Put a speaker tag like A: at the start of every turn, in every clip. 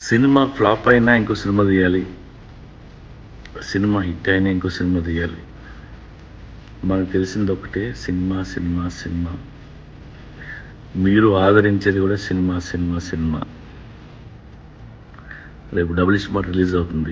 A: Cinema flop అయినా ఇంకో cinema తీయాలి, సినిమా హిట్ అయినా ఇంకో సినిమా తీయాలి. మనకు తెలిసింది ఒకటే, సినిమా సినిమా సినిమా. మీరు ఆదరించేది కూడా సినిమా సినిమా సినిమా. రేపు డబుల్ స్మార్ట్ రిలీజ్ అవుతుంది,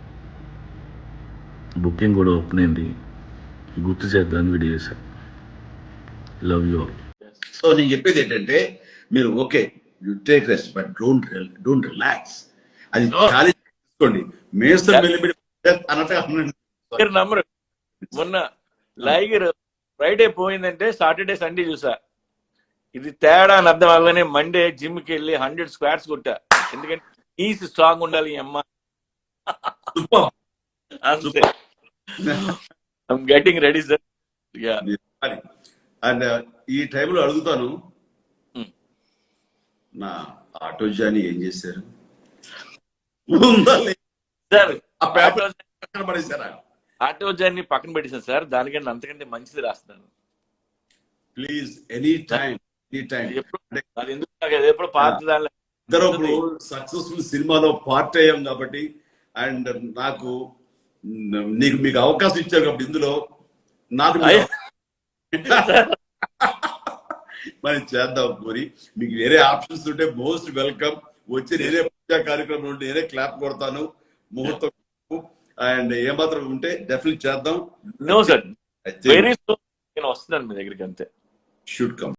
A: బుకింగ్ కూడా ఓపెన్ అయింది. గుర్తు చేద్దామని వీడియో చేశాను. Love you.
B: సో నేను చెప్పేది ఏంటంటే, మీరు okay you take rest but don't relax. అది ఛాలెంజ్ తీసుకోండి. మేస్తం వెళ్ళిపెట్టి అన్నట్టుగా
C: మీరు నమ్మరు, మొన్న లైగర్ ఫ్రైడే పోయిందంటే సాటర్డే సండే చూసా. ఇది తేడా అని అర్థం అవ్వగానే మండే జిమ్ కి వెళ్ళి 100 స్క్వాట్స్ కొట్టా. ఎందుకంటే నీస్ స్ట్రాంగ్ ఉండాలి ఈ అమ్మ. అంతే, I'm getting ready sir.
B: And ఈ టైంలో అడుగుతాను, నా ఆటో జాని ఏం చేశారు?
C: సార్
B: పడేశారా?
C: ఆటో జర్నీ పక్కన పెట్టేసాను సార్, దానికంటే అంతకంటే మంచిది రాస్తాను.
B: ప్లీజ్ ఎనీ టైం
C: అది ఎందుకు నాకు అది ఎప్పుడు పాత దానిలో
B: ఇద్దరు సక్సెస్ఫుల్ సినిమాలో పార్ట్ అయ్యాం కాబట్టి, అండ్ నాకు మీకు అవకాశం ఇచ్చారు కాబట్టి ఇందులో నాకు మరి చేద్దాం. మరి మీకు వేరే ఆప్షన్స్ ఉంటే మోస్ట్ వెల్కమ్. వచ్చి నేనే పూజా కార్యక్రమం ఉంటే నేనే క్లాప్ కొడతాను, ముహూర్తం. అండ్ ఏమాత్రం ఉంటే డెఫినెట్ చేద్దాం.
C: నో సార్, వెరీ సూన్ నేను వస్తున్నాను మీ దగ్గరికి, అంతే.
B: Should come.